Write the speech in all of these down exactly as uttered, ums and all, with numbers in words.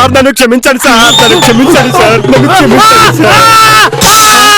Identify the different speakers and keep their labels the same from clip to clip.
Speaker 1: Sir నన్ను క్షమించండి sir నన్ను క్షమించండి సార్ నన్ను క్షమించండి సార్.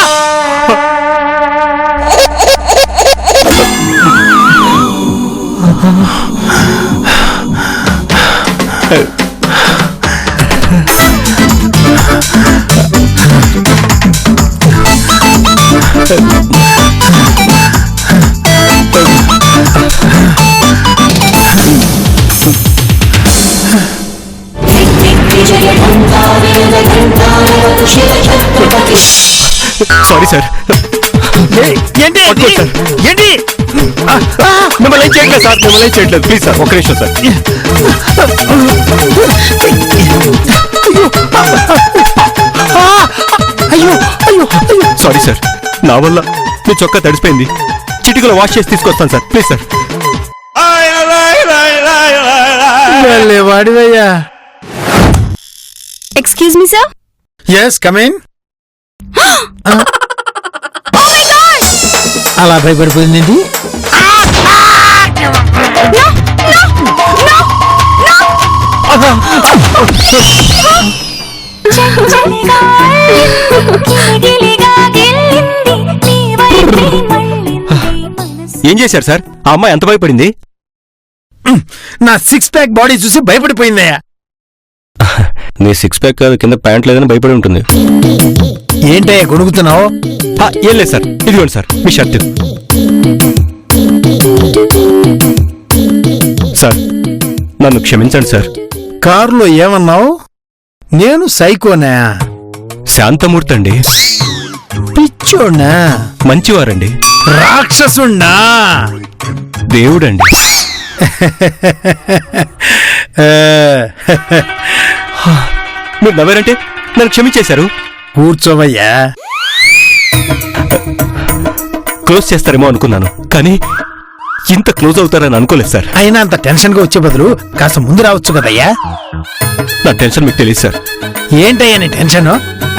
Speaker 1: Sorry sir.
Speaker 2: ఏంటి ఏంటి
Speaker 1: మిమ్మల్ని ఏం చేయట్లేదు సార్ మిమ్మల్ని ఏం చేయట్లేదు ప్లీజ్ సార్ ఒక నిమిషం సార్.
Speaker 2: అయ్యో అయ్యో
Speaker 1: సారీ సార్ నా వల్ల మీ చొక్కా తడిసిపోయింది. చిటికలో వాష్ చేసి తీసుకొస్తాను సార్ ప్లీజ్ సార్.
Speaker 2: వాడివయ్యా.
Speaker 3: Excuse me sir.
Speaker 2: Yes come in. అలా భయపడిపోయింది.
Speaker 1: ఏం చేశారు సార్ ఆ అమ్మాయి ఎంత భయపడింది?
Speaker 2: నా సిక్స్ ప్యాక్ బాడీ చూసి భయపడిపోయిందయ్యా.
Speaker 1: నీ సిక్స్ ప్యాక్ కాదు కింద ప్యాంట్ లేదని భయపడి ఉంటుంది.
Speaker 2: ఏంటయ్యా గొడుగుతున్నావు?
Speaker 1: ఏం లేదు సార్ ఇదిగోండి సార్ మీ షర్ట్. సార్ నన్ను క్షమించండి సార్.
Speaker 2: కారులో ఏమన్నావు? నేను సైకోనా?
Speaker 1: శాంతమూర్తి అండి.
Speaker 2: పిచ్చోనా?
Speaker 1: మంచివారండి.
Speaker 2: రాక్షసుండా?
Speaker 1: దేవుడండి. మీరు నవ్వారంటే నన్ను క్షమించేశారు.
Speaker 2: కూర్చోవయ్యా.
Speaker 1: క్లోజ్ చేస్తారేమో అనుకున్నాను కానీ ఇంత క్లోజ్ అవుతారని అనుకోలేదు సార్.
Speaker 2: అయినా అంత టెన్షన్ గా వచ్చే బదులు కాస్త ముందు రావచ్చు కదయ్యా.
Speaker 1: నా టెన్షన్ మీకు తెలియదు సార్.
Speaker 2: ఏంటయ్యా నీ టెన్షన్?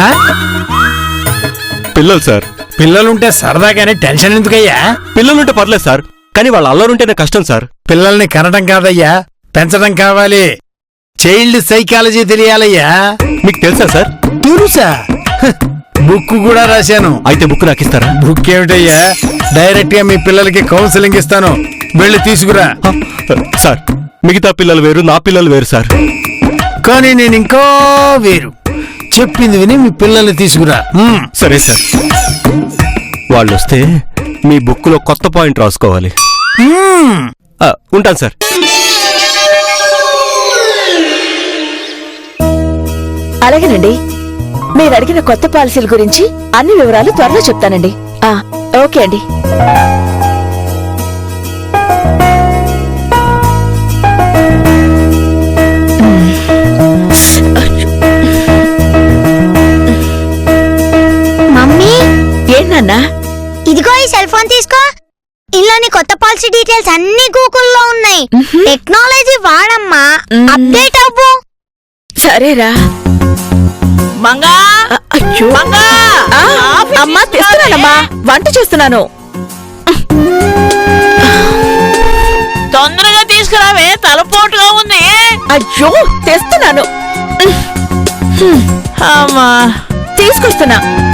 Speaker 1: పిల్లలు సార్.
Speaker 2: పిల్లలుంటే సరదాగానే టెన్షన్ ఎందుకయ్యా?
Speaker 1: పిల్లలుంటే పర్లేదు సార్ కానీ వాళ్ళ అల్లరుంటేనే కష్టం సార్.
Speaker 2: పిల్లల్ని కనడం కాదయ్యా పెంచడం కావాలి. చైల్డ్ సైకాలజీ తెలియాలయ్యా.
Speaker 1: మీకు తెలుసా సార్?
Speaker 2: తెలుసా? బుక్ కూడా రాశాను.
Speaker 1: అయితే బుక్ నాకు ఇస్తారా?
Speaker 2: బుక్ ఏమిటయ్యా డైరెక్ట్ గా మీ పిల్లలకి కౌన్సిలింగ్ ఇస్తాను. వెళ్ళి తీసుకురా.
Speaker 1: సార్ మిగతా పిల్లలు వేరు నా పిల్లలు వేరు సార్.
Speaker 2: కానీ నేను ఇంకా వేరు. చెప్పింది విని మీ పిల్లల్ని తీసుకురా.
Speaker 1: సరే సార్. వాళ్ళు వస్తే మీ బుక్ లో కొత్త పాయింట్ రాసుకోవాలి. ఉంటాను సార్.
Speaker 3: అలాగేనండి. మీరు అడిగిన కొత్త పాలసీల గురించి అన్ని వివరాలు త్వరలో చెప్తానండి. ఓకే అండి.
Speaker 4: మమ్మీ
Speaker 3: ఏంటన్నా?
Speaker 4: ఇదిగో ఈ సెల్ ఫోన్ తీసుకో. ఇందులోని కొత్త పాలసీ డీటెయిల్స్ అన్ని గూగుల్లో ఉన్నాయి. టెక్నాలజీ వాడమ్మా, అప్డేట్ అవ్వు.
Speaker 3: సరేరా.
Speaker 5: మంగా
Speaker 3: అయ్యో
Speaker 5: మంగా
Speaker 3: అమ్మా తెస్తున్నానమ్మా. వంట చేస్తున్నాను.
Speaker 5: తొందరగా తీసుకురావే తలపోటుగా ఉంది.
Speaker 3: అయ్యో తెస్తున్నాను.
Speaker 5: అమ్మా
Speaker 3: తీసుకొస్తున్నా.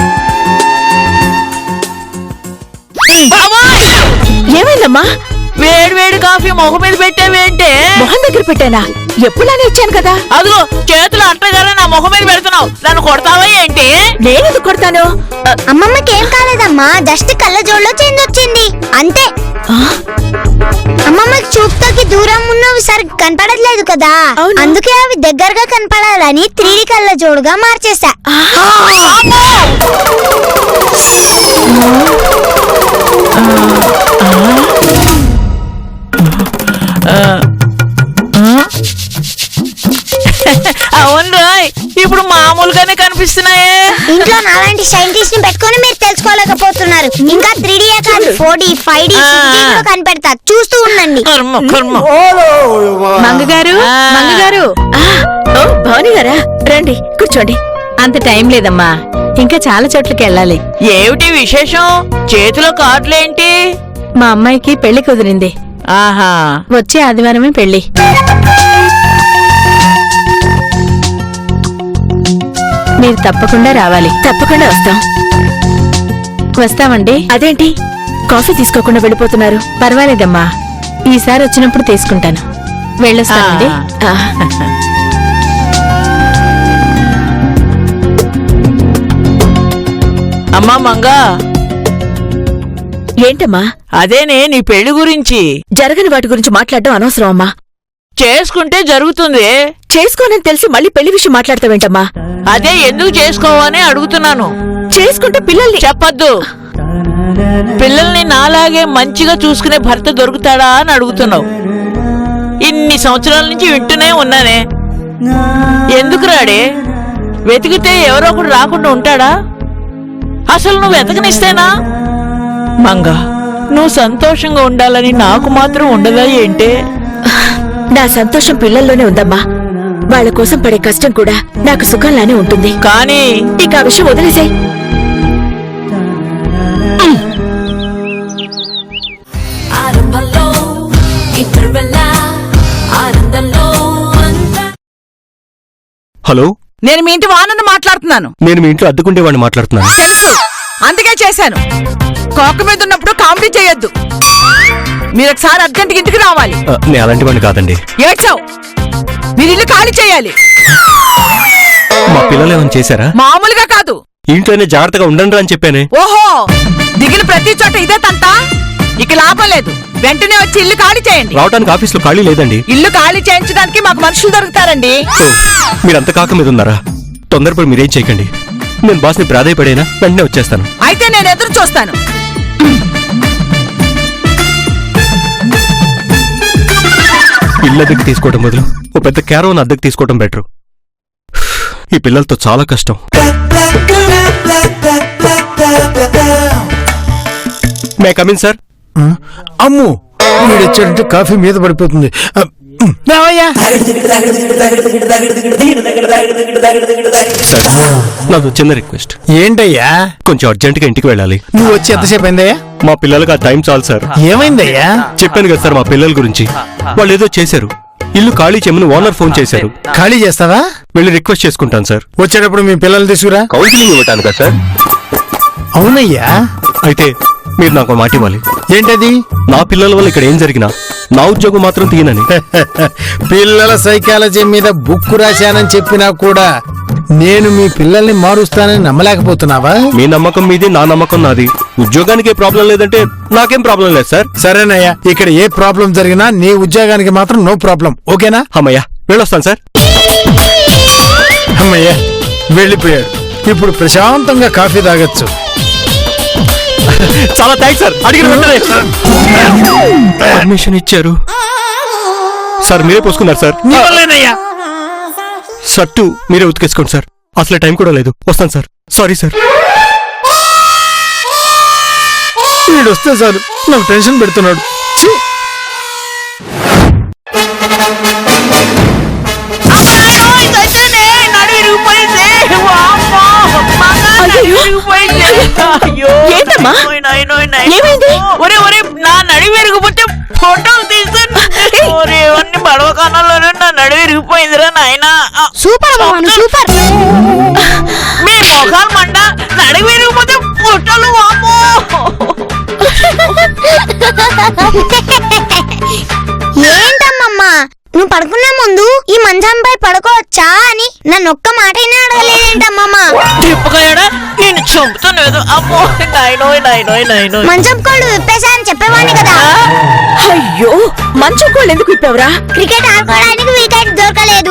Speaker 3: ఏమైందమ్మా?
Speaker 5: వేడి వేడి కాఫీ మొహం మీద పెట్టావేంటే?
Speaker 3: మొహం దగ్గర పెట్టానా? ఎప్పుడైనా ఇచ్చాను కదా.
Speaker 5: అదిగో చేతులు అట్టగానే నా మొహం మీద పెడుతున్నావు. నన్ను కొడతావా ఏంటి?
Speaker 3: నేనెందుకు కొడతాను?
Speaker 4: అమ్మమ్మకి ఏం కాలేదమ్మా, జస్ట్ కళ్ళజోడులో చేంజ్ వచ్చింది అంతే. అమ్మమ్మకి చూపుతోకి దూరం ఉన్నవి సరిగ్గా కనపడట్లేదు కదా, అందుకే అవి దగ్గరగా కనపడాలని త్రీ డి కళ్ళజోడుగా మార్చేసా.
Speaker 5: అవును రాయ్, ఇప్పుడు మామూలుగానే కనిపిస్తున్నాయే.
Speaker 4: ఇంట్లో నాలాంటి సైంటిస్ట్ ని పెట్టుకొని మీరు తెలుసుకోలేకపోతున్నారు. ఇంకా త్రీ డి కాదు ఫోర్ డి ఫైవ్ డి కనిపెడతా, చూస్తూ ఉండండి.
Speaker 3: మంగగారు మంగగారు భవాని గారా, రండి కూర్చోండి. అంత టైం లేదమ్మా, ఇంకా చాలా చోట్లకి వెళ్ళాలి.
Speaker 5: ఏమిటి విశేషం? చేతిలో కార్డులేంటి?
Speaker 3: మా అమ్మాయికి పెళ్లి కుదిరింది.
Speaker 5: ఆహా,
Speaker 3: వచ్చే ఆదివారమే పెళ్లి. మీరు తప్పకుండా రావాలి. తప్పకుండా వస్తాం. వస్తామండి. అదేంటి కాఫీ తీసుకోకుండా వెళ్ళిపోతున్నారు? పర్వాలేదమ్మా, ఈసారి వచ్చినప్పుడు తీసుకుంటాను. వెళ్ళొస్తానండి. ఆ.
Speaker 5: అమ్మా మంగా,
Speaker 3: ఏంటమ్మా?
Speaker 5: అదేనే నీ పెళ్లి గురించి.
Speaker 3: జరగని వాటి గురించి మాట్లాడడం అనవసరం అమ్మా.
Speaker 5: చేసుకుంటే జరుగుతుంది.
Speaker 3: చేసుకోనని తెలిసి మళ్ళీ పెళ్లి విషయం మాట్లాడతావేంటమ్మా?
Speaker 5: అదే ఎందుకు చేసుకోవని అడుగుతున్నాను.
Speaker 3: చేసుకుంటే పిల్లల్ని
Speaker 5: చెప్పద్దు. పిల్లల్ని నాలాగే మంచిగా చూసుకునే భర్త దొరుకుతాడా అని అడుగుతున్నావు. ఇన్ని సంవత్సరాల నుంచి వింటూనే ఉన్నానే. ఎందుకు రాడే? వెతికితే ఎవరో ఒకడు రాకుండా ఉంటాడా? అసలు నువ్వు వెతకనిస్తేనా? మంగా, నువ్వు సంతోషంగా ఉండాలని నాకు మాత్రం ఉండదా ఏంటే?
Speaker 3: నా సంతోషం పిల్లల్లోనే ఉందమ్మా. వాళ్ళ కోసం పడే కష్టం కూడా నాకు సుఖంలానే ఉంటుంది.
Speaker 5: కానీ
Speaker 3: ఇక ఆ విషయం వదిలేసాయి.
Speaker 1: హలో,
Speaker 6: నేను మీ ఇంటి వానను మాట్లాడుతున్నాను.
Speaker 1: నేను మీ ఇంట్లో అద్దెకుండేవాడిని మాట్లాడుతున్నాను.
Speaker 6: తెలుసు, అందుకే చేశాను. కోక మీద ఉన్నప్పుడు కామెడీ చేయొద్దు. మీరు ఒకసారి అర్జెంట్ ఇంటికి రావాలి.
Speaker 1: ఆ, నేను అలాంటి వాడిని కాదండి.
Speaker 6: ఏడ్చావు. మీరు ఇల్లు ఖాళీ చేయాలి.
Speaker 1: మా పిల్లలు ఏమైనా చేశారా?
Speaker 6: మామూలుగా కాదు.
Speaker 1: ఇంట్లోనే జాగ్రత్తగా ఉండండి అని చెప్పానే.
Speaker 6: ఓహో, దిగిన ప్రతి చోట ఇదే తంతా. ఇక లాభం లేదు. వెంటనే వచ్చి ఇల్లు ఖాళీ చేయండి.
Speaker 1: రావడానికి ఆఫీసులో ఖాళీ లేదండి.
Speaker 6: ఇల్లు ఖాళీ చేయించడానికి మాకు మనుషులు దొరుకుతారండి.
Speaker 1: ఓ, మీరంత కాక మీద ఉన్నారా? తొందరపడి మీరేం చేయకండి. నేను బాస్ని ప్రాధాయపడైనా వెంటనే వచ్చేస్తాను.
Speaker 6: అయితే నేను ఎదురు చూస్తాను.
Speaker 1: ఇల్లు అద్దెకి తీసుకోవడం బదులు ఓ పెద్ద క్యారోన్ అద్దెకి తీసుకోవడం బెటర్. ఈ పిల్లలతో చాలా కష్టం. May come in sir.
Speaker 2: అమ్ము, వీడొచ్చాడంటే కాఫీ మీద పడిపోతుంది. ఆ, ఉమ్, రావయ్యా.
Speaker 1: సార్, నాది చిన్న రిక్వెస్ట్.
Speaker 2: ఏంటయ్యా?
Speaker 1: కొంచెం అర్జెంట్ గా ఇంటికి వెళ్ళాలి.
Speaker 2: నువ్వు వచ్చి ఎంతసేపు అయిందయ్యా?
Speaker 1: మా పిల్లలకి ఆ టైం చాలు సార్.
Speaker 2: ఏమైందయ్యా?
Speaker 1: చెప్పాను కదా సార్ మా పిల్లల గురించి. వాళ్ళు ఏదో చేశారు. ఇల్లు ఖాళీ చేయమని ఓనర్ ఫోన్ చేశారు.
Speaker 2: ఖాళీ చేస్తావా?
Speaker 1: వెళ్ళి రిక్వెస్ట్ చేసుకుంటాను సార్.
Speaker 2: వచ్చేటప్పుడు మీ పిల్లల్ని తీసుకురా.
Speaker 1: కౌన్సిలింగ్ ఇవ్వటాను కదా సార్.
Speaker 2: అవునయ్యా.
Speaker 1: అయితే మీరు నాకు మాట ఇవ్వాలి.
Speaker 2: ఏంటది?
Speaker 1: నా పిల్లల వల్ల ఇక్కడ ఏం జరిగినా నా ఉద్యోగం మాత్రం తీయనని.
Speaker 2: పిల్లల సైకాలజీ మీద బుక్ రాశానని చెప్పినా కూడా నేను మీ పిల్లల్ని మారుస్తానని నమ్మలేకపోతున్నావా?
Speaker 1: మీ నమ్మకం మీది, నా నమ్మకం నాది. ఉద్యోగానికి ఏ ప్రాబ్లం లేదంటే నాకేం ప్రాబ్లం లేదు సార్.
Speaker 2: సరేనయ్యా, ఇక్కడ ఏ ప్రాబ్లం జరిగినా నీ ఉద్యోగానికి మాత్రం నో ప్రాబ్లం. ఓకేనా?
Speaker 1: అమ్మయ్యా, వెళ్ళొస్తాను సార్.
Speaker 2: అమ్మయ్యా, వెళ్ళిపోయాడు. ఇప్పుడు ప్రశాంతంగా కాఫీ తాగొచ్చు.
Speaker 1: చాలా థ్యాంక్స్ సార్. అడిగిన వెంటనే పర్మిషన్ ఇచ్చారు సార్. మీరే పోసుకున్నారు సార్.
Speaker 2: నీ వల్లేనయ్యా.
Speaker 1: షర్టు మీరే ఉతికేసుకోండి సార్. అసలు టైం కూడా లేదు. వస్తాను సార్. Sorry sir.
Speaker 2: వీడు వస్తే చాలు నాకు టెన్షన్ పెడుతున్నాడు. ఛీ!
Speaker 3: ఏంటమ్మా? ఏమైంది?
Speaker 5: ఒరే ఒరే, నా నడి విరిగిపోతే ఫోటోలు తీస్తాను. అన్ని పడవ కాలంలోనే నా నడి విరిగిపోయిందిరా నాయనా.
Speaker 4: సూపర్ బావను, సూపర్.
Speaker 5: మీ మొఖాలు మండ, నడి విరిగిపోతే ఫోటోలు. వామ్మో,
Speaker 4: ఏంటమ్మమ్మా, నువ్వు పడుకునే ముందు ఈ మంచంపై పడుకోవచ్చా అని నన్ను ఒక్క మాట అయినా అడగలేదేంటమ్మమ్మా?
Speaker 5: తిప్పకాయడా, నేను చంపుతాను. అమ్మో, నాయనోయ్ నాయనోయ్ నాయనోయ్.
Speaker 4: మంచం కోళ్ళు విప్పేశా అని చెప్పేవాడిని కదా.
Speaker 3: అయ్యో, మంచం కోళ్ళు ఎందుకు ఇప్పావురా?
Speaker 4: క్రికెట్ ఆడుకోవడానికి వికెట్ దొరకలేదు.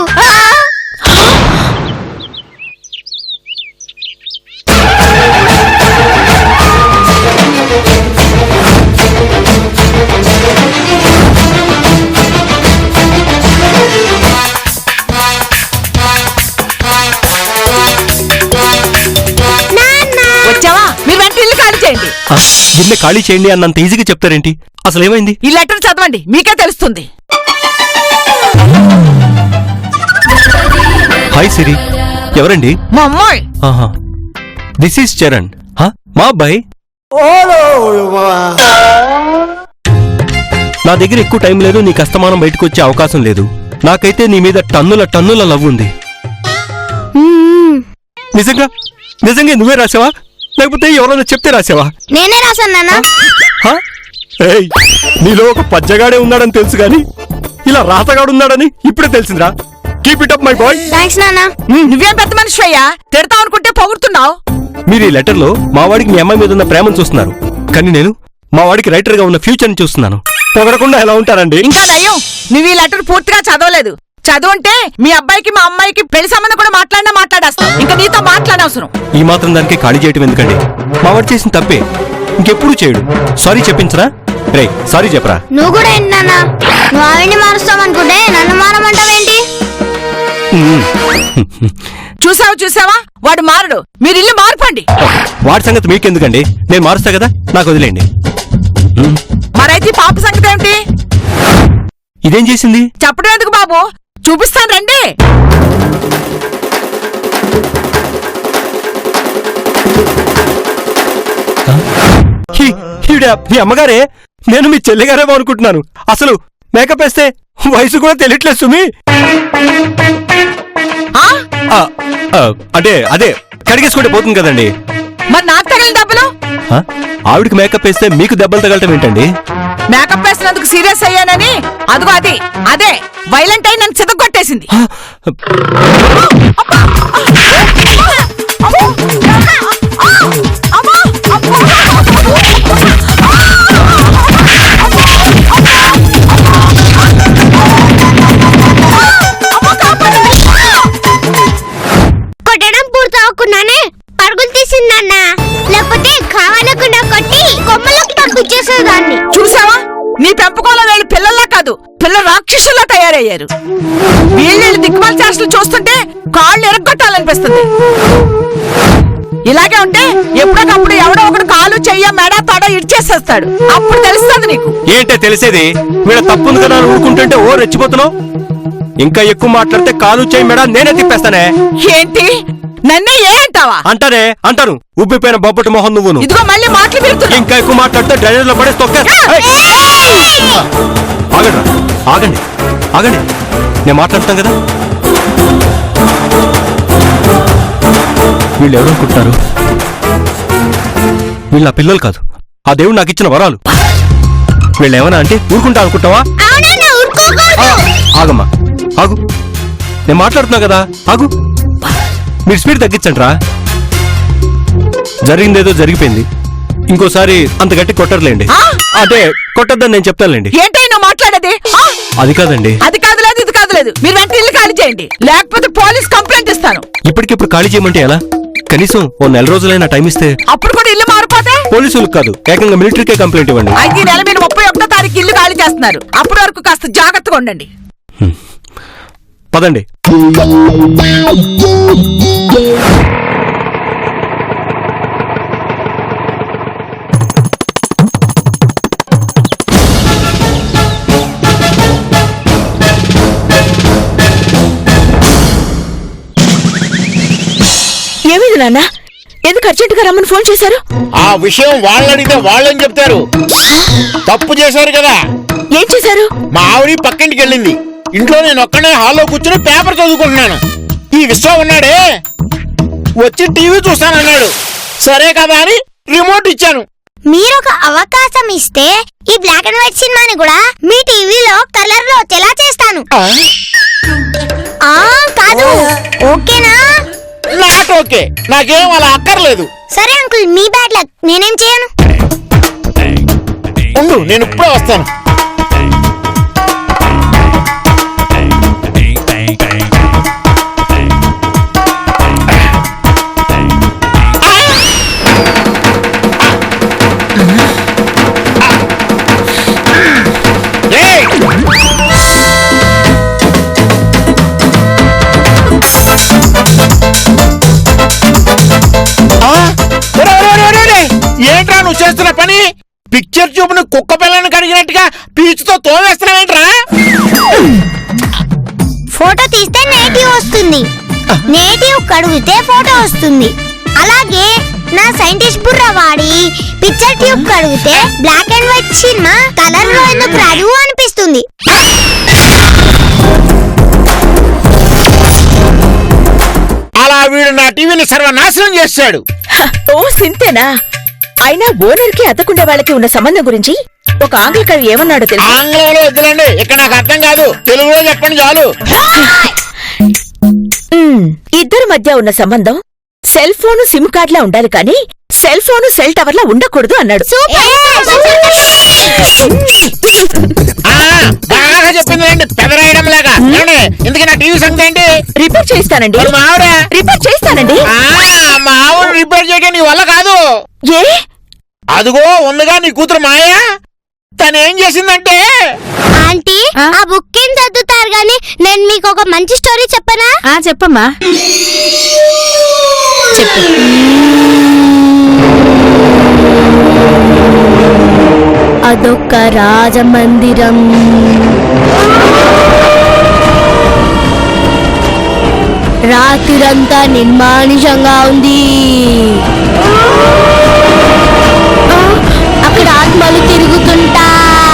Speaker 6: వచ్చావా? మీరు వెంటనే ఇల్లు ఖాళీ చేయండి.
Speaker 1: ఆ, గిన్నె ఖాళీ చేయండి అన్నంత ఈజీగా చెప్తారేంటి? అసలు ఏమైంది?
Speaker 6: ఈ లెటర్ చదవండి, మీకే తెలుస్తుంది.
Speaker 1: హాయ్ సిరి. ఎవరండి?
Speaker 6: మా అమ్మాయి.
Speaker 1: ఆహా, దిస్ ఈస్ చరణ్. హా, మా అబ్బాయి. నా దగ్గర ఎక్కువ టైం లేదు. నీకు అస్తమానం బయటకు వచ్చే అవకాశం లేదు. నాకైతే నీ మీద టన్నుల టన్నుల లవ్ ఉంది. నిజంగా నిజంగా నువ్వే రాసావా లేకపోతే ఎవరైనా చెప్తే రాసావా?
Speaker 4: నేనే రాశాను నాన్న.
Speaker 1: హ? ఏయ్, నీలో ఒక పచ్చగాడే ఉన్నాడని తెలుసు గాని ఇలా రాతగాడు ఉన్నాడని ఇప్పుడే తెలిసిందిరా. Keep it up my boy.
Speaker 4: Thanks నాన్న.
Speaker 6: నువ్వేం పెద్ద మనిషి అయ్యా, తిడతావు అనుకుంటే పొగుడుతున్నావు.
Speaker 1: మీరు ఈ లెటర్ లో మా వాడికి మీ అమ్మాయి మీద ఉన్న ప్రేమను చూస్తున్నారు, కానీ నేను మా వాడికి రైటర్ గా ఉన్న ఫ్యూచర్ ని చూస్తున్నాను. పొగడకుండా ఎలా ఉంటారండి?
Speaker 6: ఇంకా నయ్యం, నువ్వు ఈ లెటర్ పూర్తిగా చదవలేదు. చదువుంటే మీ అబ్బాయికి మా అమ్మాయికి పెళ్లి సంబంధం కూడా మాట్లాడినా మాట్లాడేస్తావు. ఇంకా నీతో మాట్లాడవసరం.
Speaker 1: ఈ మాత్రం దానికి ఖాళీ చేయటం ఎందుకండి? మా వాడు చేసిన తప్పే, ఇంకెప్పుడు చేయడు. సారీ చెప్పించరా? రే సారీ చెప్పరా?
Speaker 4: నువ్వు కూడా ఏంటి నాన్న, నువ్వు ఆవిడ్ని మారుస్తావనుకుంటే నన్ను మారమంటావేంటి?
Speaker 6: చూసావా చూసావా, వాడు మారడు. మీరు ఇల్లు మార్పండి.
Speaker 1: వాడి సంగతి మీకెందుకండి, నేను మారుస్తా కదా, నాకు వదిలేండి.
Speaker 6: మరైతే ఈ పాప సంగతి ఏమిటి?
Speaker 1: ఇదేం చేసింది?
Speaker 6: చెప్పడం ఎందుకు బాబు, చూపిస్తాను రండి.
Speaker 1: హీ- ఈవిడ మీ అమ్మగారే? నేను మీ చెల్లిగారేమో అనుకుంటున్నాను. అసలు మేకప్ వేస్తే వయసు కూడా తెలియట్లేదు సుమి.
Speaker 6: ఆ?
Speaker 1: ఆ, ఆ, అంటే అదే కడిగేసుకుంటే పోతుంది కదండి.
Speaker 6: మరి నాకు తగిలిన దెబ్బలు?
Speaker 1: ఆ, ఆవిడకి మేకప్ వేస్తే మీకు దెబ్బలు తగలటం ఏంటండి?
Speaker 6: మేకప్ వేసినందుకు సీరియస్ అయ్యానని అదిగో అది అదే వైలెంట్ అయి నన్ను చితగొట్టేసింది.
Speaker 1: ఆ,
Speaker 4: కొట్టడం పూర్తవకుండానే పరుగులు తీసిందన్న, లేకపోతే కావాలకుండా కొట్టి కొమ్మలోకి పంపించేసేదాన్ని.
Speaker 6: చూసావా, నీ పెంపకంలో వీళ్ళు పిల్లల్లా కాదు, పిల్ల రాక్షసుల్లా తయారయ్యారు. వీళ్ళు దిక్కుమాల చేష్టలు చూస్తుంటే కాళ్ళు ఎరగొట్టాలనిపిస్తుంది. ఇలాగే ఉంటే ఎప్పటికప్పుడు ఎవడో ఒకడు కాలు చెయ్య మెడ తొడ ఇడ్చేసేస్తాడు. అప్పుడు తెలుస్తుంది నీకు.
Speaker 1: ఏంటే తెలిసేది? వీళ్ళ తప్పుంది కదా అని ఊరుకుంటుంటే ఓ రెచ్చిపోతున్నావు. ఇంకా ఎక్కువ మాట్లాడితే కాలు చేయి మెడ నేనే తిప్పేస్తానే.
Speaker 6: ఏంటి, నన్నే ఏ అంటావా?
Speaker 1: అంటానే అంటాను. ఉబ్బిపోయిన బొబ్బటి మొహం నువ్వును.
Speaker 6: ఇదిగో మళ్ళీ మాటలు పెడుతున్నా.
Speaker 1: ఇంకా ఎక్కువ మాట్లాడితే డ్రైనేజ్ లో పడేసి తొక్కేస్తా. ఏయ్! ఆగండి ఆగండి ఆగండి, నేను మాట్లాడతాను కదా. వీళ్ళు ఎవరు అనుకుంటున్నారు? వీళ్ళు నా పిల్లలు కాదు, ఆ దేవుడు నాకు ఇచ్చిన వరాలు. వీళ్ళు ఏమన్నా అంటే ఊరుకుంటా అనుకుంటావా?
Speaker 4: అవునన్నా, ఊరుకోకూడదు.
Speaker 1: ఆ, ఆగమ్మా ఆగు, నేను మాట్లాడుతున్నా కదా, ఆగు. మీరు స్పీడ్ తగ్గించండి రా. జరిగిందేదో జరిగిపోయింది, ఇంకోసారి అంత గట్టి కొట్టర్లేండి.
Speaker 6: ఆ?
Speaker 1: అంటే కొట్టద్దని నేను చెప్తానులేండి.
Speaker 6: ఏంటి నువ్వు మాట్లాడేది? ఆ?
Speaker 1: అది కాదండి.
Speaker 6: అది కాదు లేదు, ఇది కాదు లేదు. మీరు వెంటనే ఇల్లు ఖాళీ చేయండి, లేకపోతే పోలీస్ కంప్లైంట్ ఇస్తాను.
Speaker 1: ఇప్పటికిప్పుడు ఖాళీ చేయమంటే ఎలా? కనీసం ఓ నెల రోజులైనా టైం ఇస్తే.
Speaker 6: అప్పుడు కూడా ఇల్లు మారిపోతే
Speaker 1: పోలీసులకు కాదు, ఏకంగా మిలిటరీకే కంప్లైంట్ ఇవ్వండి.
Speaker 6: అయితే ఈ నెల మీరు ముప్పై ఒకటో తారీఖు ఇల్లు ఖాళీ చేస్తున్నారు. అప్పటి వరకు కాస్త జాగ్రత్తగా ఉండండి.
Speaker 1: పదండి.
Speaker 3: ఏమైంది నాన్న, ఎందుకు అర్జెంటుగా రమ్మని ఫోన్ చేశారు?
Speaker 7: ఆ విషయం వాళ్ళని అడిగితే వాళ్ళని చెప్తారు. తప్పు చేశారు కదా.
Speaker 3: ఏం చేశారు?
Speaker 7: మా ఆవిడ పక్కింటికి వెళ్ళింది. ఇంట్లో నేను ఒక్కనే హాల్లో కూర్చుని పేపర్ చదువుకుంటున్నాను. ఈ విశ్వం ఉన్నాడే వచ్చి టీవీ చూస్తానన్నాడు. సరే కదా అని రిమోట్ ఇచ్చాను.
Speaker 4: మీరొక అవకాశం ఇస్తే ఈ బ్లాక్ అండ్ వైట్ సినిమాని కూడా మీ టీవీలో కలర్ లో వచ్చేలా చేస్తాను. ఆ కాదు, ఓకేనా?
Speaker 7: నాట్ ఓకే, నాకేం అలా అక్కర్లేదు.
Speaker 4: సరే అంకుల్, మీ బ్యాడ్ లక్, నేనేం చేయను.
Speaker 7: ఉండు, నేను ఇప్పుడే వస్తాను. ఏయ్! ఏంట్రా నువ్వు చేస్తున్న పని? పిక్చర్ చూపును కుక్క పిల్లని కడిగినట్టుగా పీచుతో తోవేస్తున్నావేంట్రా?
Speaker 4: ఫోటో తీస్తే నేటివ్ వస్తుంది, నేటివ్ కడిగితే ఫోటో వస్తుంది. అలాగే నా సైంటిస్ట్ బుర్ర వాడి పిక్చర్ ట్యూబ్ కడిగితే black and white cinema colour లో ఎందుకు రాదు అనిపిస్తుంది.
Speaker 7: అలా వీడు నా టీవీని సర్వనాశనం చేశాడు.
Speaker 3: హ, ఓ సింతేనా? అయినా ఓనర్ కి అద్దకుండే వాళ్ళకి ఉన్న సంబంధం గురించి ఒక ఆంగ్ల కవి ఏమన్నాడో తెలుసా?
Speaker 7: ఆంగ్లంలో వద్దులండి, ఇక్కడ నాకు అర్థం కాదు, తెలుగులో చెప్పండి చాలు.
Speaker 3: మ్మ్, ఇద్దరి మధ్య ఉన్న సంబంధం సెల్ ఫోను సిమ్ కార్డ్ లా ఉండాలి కానీ సెల్ ఫోను సెల్ టవర్ లా ఉండకూడదు అన్నాడు.
Speaker 7: ఆ, బాగా చెప్పింది అండి, పెదరాయడం లాగా. ఏమండి, ఇంతకీ నా టీవీ సంగతి ఏంటి?
Speaker 3: రిపేర్ చేయిస్తానండి.
Speaker 7: మరి మా ఆవిడ?
Speaker 3: రిపేర్ చేయిస్తానండి.
Speaker 7: ఆ, మా ఆవిడ రిపేర్ చేయడం నీ వల్ల కాదు.
Speaker 3: ఏ?
Speaker 7: అదిగో ఉందిగా నీ కూతురు మాయా, తను ఏం చేసిందంటే,
Speaker 4: ఆంటీ ఆ బుక్ ఏం చదువుతారు గాని నేను మీకు ఒక మంచి స్టోరీ చెప్పనా?
Speaker 3: ఆ చెప్పమ్మా. చెప్పు.
Speaker 4: అదొక రాజమందిరం, రాత్రిరంతా నిర్మానుషంగా ఉంది. ఆ, అక్కడ ఆత్మలు తిరుగుతుంటా.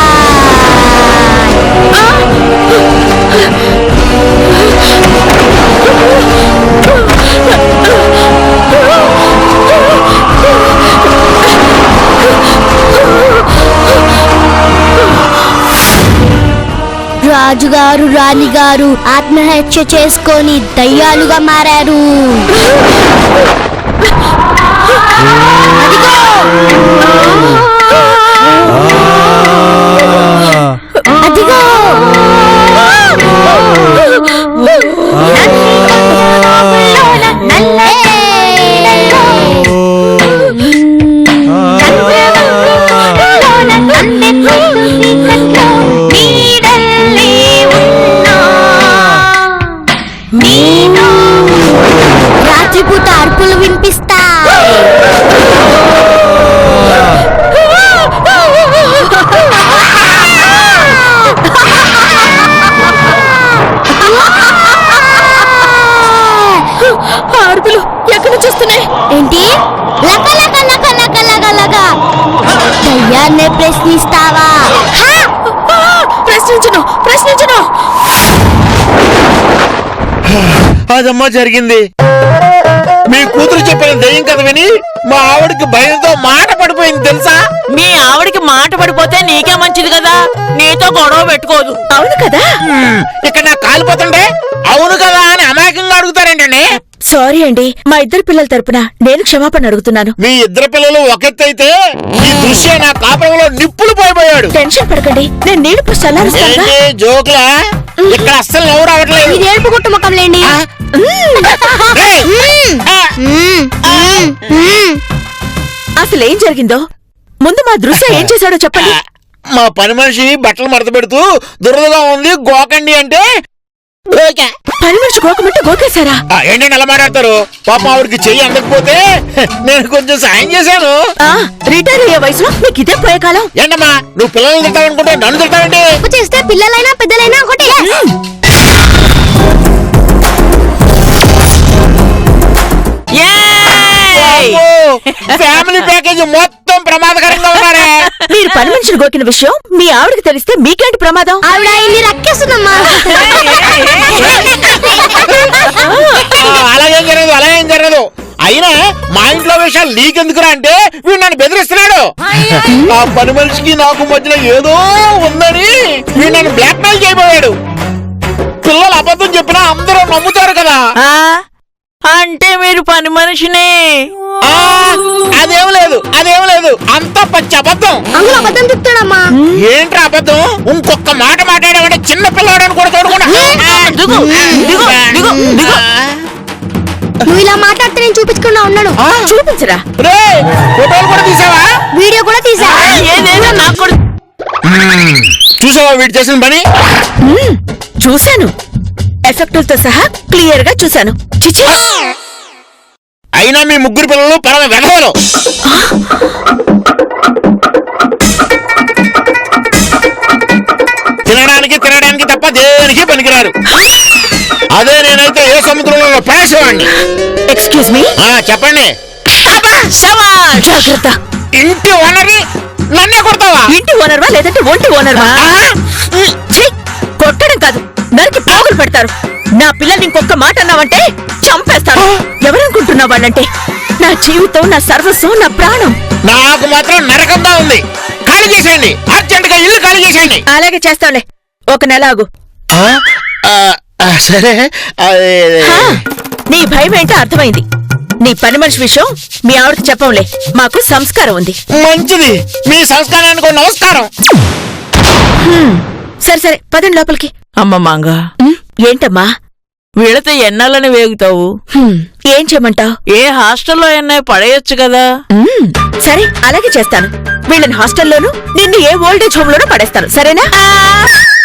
Speaker 4: రాజుగారు రాణిగారు ఆత్మహత్య చేసుకొని దయ్యాలుగా మారారు. అదిగో రాత్రిపూట అరుపులు వినిపిస్తా.
Speaker 3: అరుపులు ఎక్కడి నుంచి వస్తున్నాయి?
Speaker 4: ఏంటి? లక లక లక లక లక లక. దయ్యాన్నే ప్రశ్నిస్తావా?
Speaker 3: ప్రశ్నించను ప్రశ్నించను.
Speaker 7: అదమ్మా జరిగింది. మీ కూతురు చెప్పిన దెయ్యం కథ విని మా ఆవిడకి భయంతో మాట పడిపోయింది తెలుసా.
Speaker 5: మీ ఆవిడికి మాట పడిపోతే నీకే మంచిది కదా, నీతో గొడవ పెట్టుకోదు.
Speaker 3: అవును కదా.
Speaker 7: హ్మ్, ఇక్కడ నాకు కాలిపోతుండే అవును కదా అని అమాయకంగా అడుగుతారేంటండి.
Speaker 3: సారీ అండి, మా ఇద్దరు పిల్లల తరపున నేను క్షమాపణ అడుగుతున్నాను.
Speaker 7: మీ ఇద్దరు పిల్లలు ఒకెత్తైతే ఈ దృశ్య నా కాపురంలో నిప్పులు పోయిపోయాడు.
Speaker 3: టెన్షన్ పడకండి, నేను నీళ్లు పోసి చల్లారుస్తానుగా.
Speaker 7: ఏంటి జోకులా? ఇక్కడ అస్సలు నవ్వు రావట్లేదు.
Speaker 4: ఇది ఏడుపు గుట్టు ముఖంలేండి.
Speaker 7: రేయ్! ఆ!
Speaker 3: అసలు ఏం జరిగిందో ముందు మా దృశ్య ఏం చేశాడో చెప్పండి.
Speaker 7: మా పని మనిషి బట్టలు మడత పెడుతూ దురదగా ఉంది గోకండి అంటే ఓకే.
Speaker 3: పని మనిషి గోకమంటే గోకేశారా?
Speaker 7: ఆ, ఏంటండి అలా మాట్లాడతారు? పాప ఆవిడకి చెయ్యి అందకపోతే నేను కొంచెం సాయం చేశాను.
Speaker 3: ఆ, రిటైర్ అయ్యే వయసులో మీకు ఇదే పోయే కాలం.
Speaker 7: ఏంటమ్మా నువ్వు పిల్లల్ని తింటావనుకుంటే నన్ను తింటావండి?
Speaker 4: తప్పు చేస్తే పిల్లలైనా పెద్దలైనా ఒకటే.
Speaker 5: ఏయ్!
Speaker 7: ఫ్యామిలీ ప్యాకేజ్ మొత్తం ప్రమాదకరంగా ఉన్నారే.
Speaker 3: మీరు పని మనిషిని గోకిన విషయం మీ ఆవిడకి తెలిస్తే మీకేంటి ప్రమాదం?
Speaker 4: ఆవిడ ఆయన్ని రక్కేస్తుందమ్మా.
Speaker 7: ఆ, అలాగేం జరగదు అలాగేం జరగదు. అయినా మా ఇంట్లో విషయాలు నీకెందుకురా అంటే వీడు నన్ను బెదిరిస్తున్నాడు. ఆ పని మనిషికి నాకు మధ్యలో ఏదో ఉందని వీడు నన్ను బ్లాక్ మెయిల్ చేయబోయాడు. పిల్లలు అబద్ధం చెప్పినా అందరూ నమ్ముతారు కదా.
Speaker 5: ఆ, అంటే మీరు పని మనిషిని.
Speaker 7: ఆ, అదేం లేదు అదేం లేదు అంతా పచ్చి అబద్ధం.
Speaker 4: అందులో అబద్ధం చెప్తాడమ్మా.
Speaker 7: ఏంట్రా అబద్ధం? ఇంకొక మాట మాట్లాడామంటే చిన్న పిల్లవాడని కూడా చూడకుండా
Speaker 5: దిగు, దిగు, దిగు, దిగు.
Speaker 4: నువ్వు ఇలా మాట్లాడితే నేను చూపించకుండా ఉన్నాను.
Speaker 3: చూపించరా?
Speaker 7: రేయ్, ఫోటోలు కూడా తీసావా?
Speaker 4: వీడియో కూడా తీసా.
Speaker 5: ఏదేదో నాకు కూడా
Speaker 7: చూసావా వీడు చేసిన పని?
Speaker 3: మ్మ్, చూశాను. ఎఫెక్టులతో సహా క్లియర్ గా చూశాను. చిచి,
Speaker 7: అయినా మీ ముగ్గురు పిల్లలు పరమ వెధవలు. తినడానికి తినడానికి తప్ప దేనికి పనికిరారు. అదే నేనైతే ఏ సముద్రంలో పడేసేవాడిని.
Speaker 3: Excuse me.
Speaker 7: ఆ, చెప్పండి.
Speaker 5: శభాష్.
Speaker 3: జాగ్రత్త.
Speaker 7: ఇంటి ఓనర్ని నన్నే కొడతావా?
Speaker 3: ఇంటి ఓనర్వా లేదంటే ఒంటి ఓనర్వా? ఛీ, కొట్టడం కాదు నరికి పోగులు పెడతారు. నా పిల్లల్ని ఇంకొక మాట అన్నావంటే చంపేస్తాను. ఎవరనుకుంటున్నావు వాళ్ళంటే? నా జీవితం, నా సర్వస్వం, నా ప్రాణం.
Speaker 7: నాకు మాత్రం నరకంగా ఉంది. ఖాళీ చేసేయండి, అర్జెంట్ గా ఇల్లు ఖాళీ చేసేయండి.
Speaker 3: అలాగే చేస్తాంలే, ఒక నెల ఆగు.
Speaker 7: ఆ, ఆ, ఆ, సరే అదే,
Speaker 3: హా, నీ భయం ఏంటో అర్థమైంది. నీ పని మనిషి విషయం మీ ఆవిడకి చెప్పంలే, మాకు సంస్కారం ఉంది.
Speaker 7: మంచిది, మీ సంస్కారానికి ఒక నమస్కారం.
Speaker 3: సరే సరే పదండి లోపలికి.
Speaker 5: అమ్మ మంగ,
Speaker 3: ఉమ్, ఏంటమ్మా?
Speaker 5: వీళ్ళతో ఎన్నాళ్ళని వేగుతావు?
Speaker 3: హ్మ్, ఏం చేయమంటావు?
Speaker 5: ఏ హాస్టల్లో ఎన్నా పడేయొచ్చు కదా.
Speaker 3: సరే అలాగే చేస్తాను. వీళ్ళని హాస్టల్లోనూ, నిన్ను ఏ ఓల్డేజ్ హోమ్ లోనూ పడేస్తాను, సరేనా?